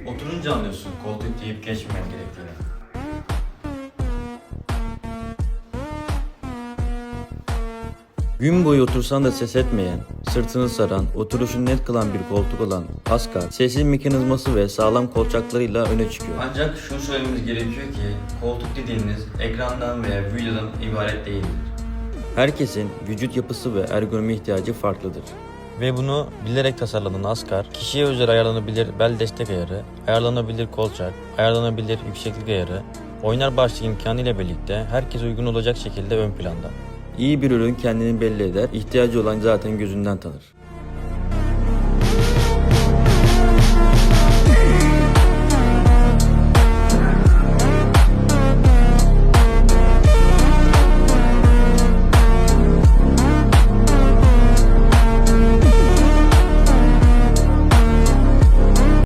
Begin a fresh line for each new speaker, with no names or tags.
Oturunca anlıyorsun koltuk deyip geçmemen gerektiğini.
Gün boyu otursan da ses etmeyen, sırtını saran, oturuşunu net kılan bir koltuk olan Askar, sessiz mekanizması ve sağlam kolçaklarıyla öne çıkıyor.
Ancak şunu söylememiz gerekiyor ki koltuk dediğiniz ekrandan veya videodan ibaret değildir.
Herkesin vücut yapısı ve ergonomi ihtiyacı farklıdır.
Ve bunu bilerek tasarlanan Askar, kişiye özel ayarlanabilir bel destek ayarı, ayarlanabilir kolçak, ayarlanabilir yükseklik ayarı, oynar başlık imkanı ile birlikte herkese uygun olacak şekilde ön planda.
İyi bir ürün kendini belli eder, ihtiyacı olan zaten gözünden tanır.